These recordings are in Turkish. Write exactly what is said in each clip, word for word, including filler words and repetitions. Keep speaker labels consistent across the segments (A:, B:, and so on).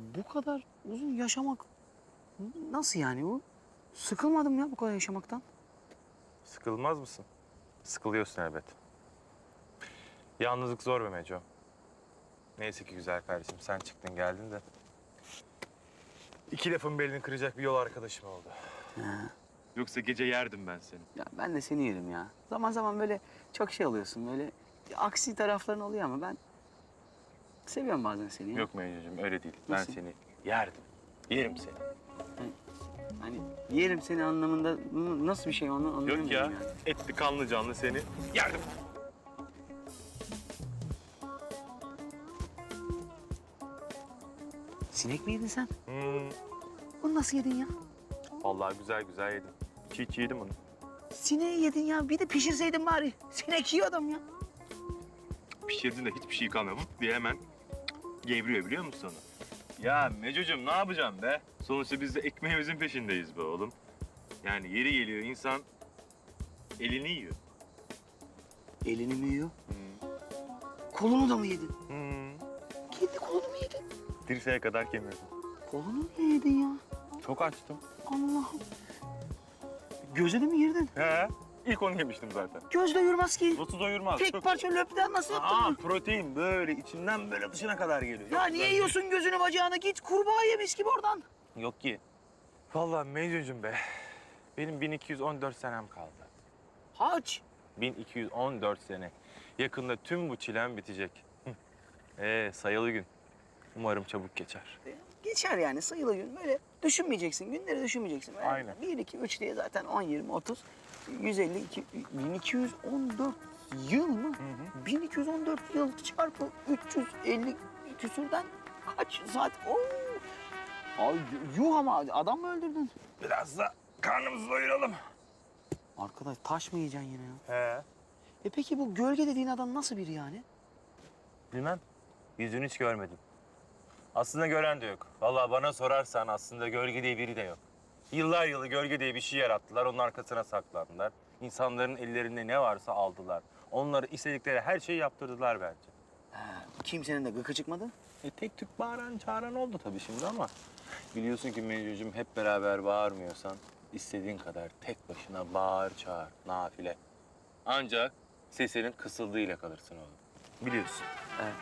A: bu kadar uzun yaşamak nasıl yani bu? Sıkılmadım ya bu kadar yaşamaktan.
B: Sıkılmaz mısın? Sıkılıyorsun elbet. Yalnızlık zor be Meco. Neyse ki güzel kardeşim sen çıktın geldin de. İki lafın belini kıracak bir yol arkadaşım oldu.
A: Ha.
B: Yoksa gece yerdim ben seni.
A: Ya ben de seni yerim ya. Zaman zaman böyle çok şey oluyorsun böyle aksi tarafların oluyor ama ben seviyorum bazen seni ya.
B: Yok Meco'cum öyle değil.
A: Nasıl?
B: Ben seni yerdim. Yerim seni.
A: Hani yerim seni anlamında n- nasıl bir şey onu anlayamıyorum
B: Yok ya
A: yani.
B: etli kanlı canlı seni yerdim.
A: Sinek mi yedin sen?
B: Hmm.
A: Bunu nasıl yedin ya?
B: Vallahi güzel güzel yedim. Çiğ çiğ yedim onu.
A: Sineği yedin ya. Bir de pişirseydin bari. Sinek yiyor adam ya.
B: Pişirdin de hiçbir şey kalmıyor diye hemen gevriyor biliyor musun onu? Ya Meco'cum ne yapacağım be? Sonuçta biz de ekmeğimizin peşindeyiz be oğlum. Yani yeri geliyor insan elini yiyor.
A: Elini mi yiyor?
B: Hmm.
A: Kolunu da mı yedin?
B: Hmm.
A: Kendi kolunu mu yedin?
B: Dirseğe kadar kemirdim.
A: Kolunu niye yedin ya?
B: Çok açtım.
A: Allah'ım. Gözüne mi girdin?
B: He. İlk onu yemiştim zaten.
A: Göz doyurmaz ki.
B: Nasıl doyurmaz?
A: Tek
B: Çok...
A: parça löpten nasıl yaptın?
B: Aa, protein böyle içinden böyle dışına kadar geliyor.
A: Ya
B: Yok
A: niye
B: ben-
A: yiyorsun gözünü bacağını? Git kurbağa yemiş gibi oradan.
B: Yok ki. Vallahi Meco'cum be. Benim bin iki yüz on dört senem kaldı.
A: Haç.
B: bin iki yüz on dört sene. Yakında tüm bu çilem bitecek. Ee, sayılı gün. Umarım çabuk geçer.
A: Geçer yani sayılı gün. Böyle düşünmeyeceksin. Günleri düşünmeyeceksin. Böyle
B: Aynen.
A: bir, iki, üç diye zaten on, yirmi, otuz, yüz elli, iki, bin iki yüz on dört yıl mı?
B: hı.
A: bin iki yüz on dört yıl çarpı üç yüz elli küsürden kaç saat? Oo. Ay yuh ama adam mı öldürdün?
B: Biraz da karnımızı doyuralım.
A: Arkadaş taş mı yiyeceksin yine ya?
B: He.
A: E peki bu gölge dediğin adam nasıl biri yani?
B: Bilmem. Yüzünü hiç görmedim. Aslında gören de yok. Vallahi bana sorarsan aslında gölge diye biri de yok. Yıllar yılı gölge diye bir şey yarattılar. Onun arkasına saklandılar. İnsanların ellerinde ne varsa aldılar. Onları istedikleri her şeyi yaptırdılar bence.
A: Ha, kimsenin de gıkı çıkmadı.
B: E tek tük bağıran çağıran oldu tabii şimdi ama... Biliyorsun ki Mecnun'cum hep beraber bağırmıyorsan... istediğin kadar tek başına bağır çağır, nafile. Ancak sesinin kısıldığıyla kalırsın oğlum. Biliyorsun.
A: Evet.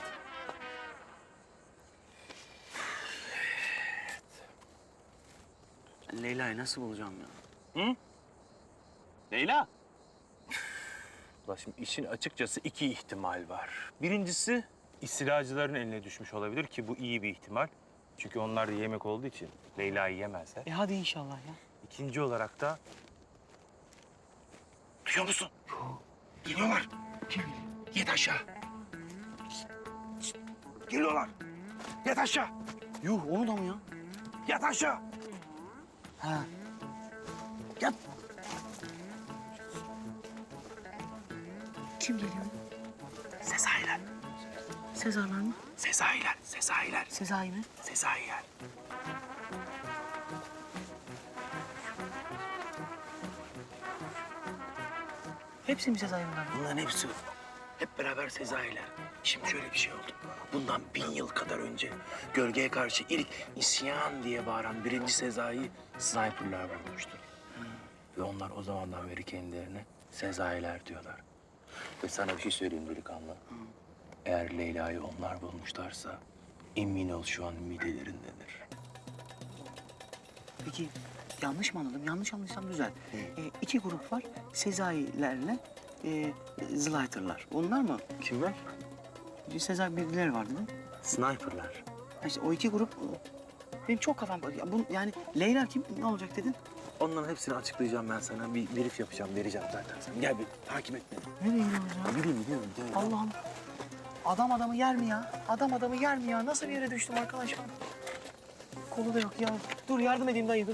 A: Ben Leyla'yı nasıl bulacağım ya?
B: Hı? Leyla. Ulan şimdi işin açıkçası iki ihtimal var. Birincisi istilacıların eline düşmüş olabilir ki bu iyi bir ihtimal. Çünkü onlar da yemek olduğu için Leyla'yı yemezler.
A: E hadi inşallah ya.
B: İkinci olarak da... Duyuyor musun? Geliyorlar.
A: Kim?
B: Yet aşağı. Geliyorlar. Yat aşağı.
A: Yuh onu da mı ya?
B: Yat aşağı.
A: Ha. Yap. Kim geliyor?
B: Sezailer.
A: Sezarlar mı?
B: Sezailer. Sezailer.
A: Sezai mi?
B: Sezailer.
A: Hepsi mi Sezai bunlar?
C: Bunların hepsi hep beraber Sezai'ler. Şimdi şöyle bir şey oldu. Bundan bin yıl kadar önce gölgeye karşı ilk isyan diye bağıran birinci Sezai'yi sniperlar vurmuştu. Ve onlar o zamandan beri kendilerine Sezai'ler diyorlar. Ve sana bir şey söyleyeyim delikanlı. Eğer Leyla'yı onlar bulmuşlarsa emin ol şu an midilerindedir.
A: Peki yanlış mı anladım? Yanlış anlaysam düzel. E, iki grup var. Sezai'lerle e, Zlighter'lar. Onlar mı?
B: Kimler?
A: Sezai birileri var değil mi?
C: Sniperlar.
A: Ha İşte o iki grup... Benim çok kafam... Ya bu, yani Leyla kim? Ne olacak dedin?
C: Onların hepsini açıklayacağım ben sana. Bir brief yapacağım, vereceğim zaten. Sen gel bir takip et beni.
A: Nereye gidiyoruz ya?
C: Bileyim, biliyorum. Gel.
A: Allah'ım. Adam adamı yer mi ya? Adam adamı yer mi ya? Nasıl bir yere düştüm arkadaş ben? Kolu da yok ya. Dur yardım edeyim dayı dur.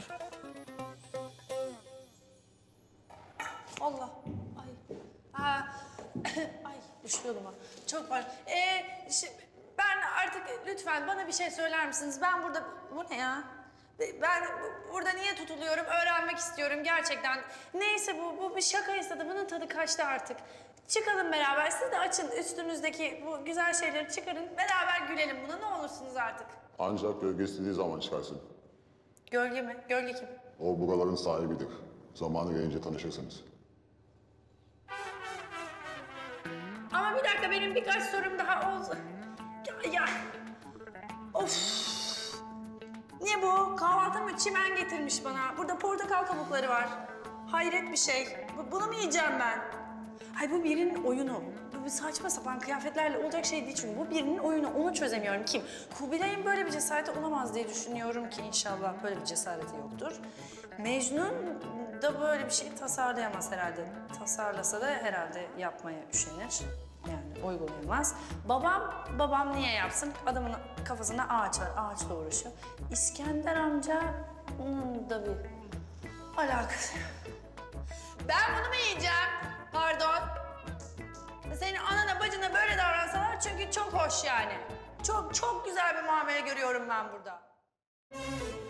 D: Allah. Ay. Aa, ay düşüyordum ha. Çok var. Ee, şimdi ben artık lütfen bana bir şey söyler misiniz? Ben burada... Bu ne ya? Ben bu- burada niye tutuluyorum? Öğrenmek istiyorum gerçekten. Neyse bu, bu bir şakaysa da bunun tadı kaçtı artık. Çıkalım beraber. Siz de açın üstünüzdeki bu güzel şeyleri çıkarın. Beraber gülelim buna ne olursunuz artık.
E: Ancak gölge istediği zaman çıkarsın.
D: Gölge mi? Gölge kim?
E: O buraların sahibidir. Zamanı gelince tanışırsınız.
D: Ama bir dakika benim birkaç sorum daha oldu. Ya, ya. Of. Ne bu? Kahvaltı mı? Çimen getirmiş bana. Burada portakal kabukları var. Hayret bir şey. Bu- Bunu mu yiyeceğim ben? Hay bu birinin oyunu. Bu bir saçma sapan kıyafetlerle olacak şey değil çünkü. Bu birinin oyunu. Onu çözemiyorum. Kim? Kubilay'ın böyle bir cesareti olamaz diye düşünüyorum ki inşallah böyle bir cesareti yoktur. Mecnun da böyle bir şey tasarlayamaz herhalde. Tasarlasa da herhalde yapmaya üşenir. Yani uygulayamaz. Babam, babam niye yapsın? Adamın kafasında ağaç var, ağaçla uğraşıyor. İskender amca, onun da bir alakası. Ben bunu mu yiyeceğim? Pardon. Senin anana bacına böyle davransalar çünkü çok hoş yani. Çok çok güzel bir muamele görüyorum ben burada.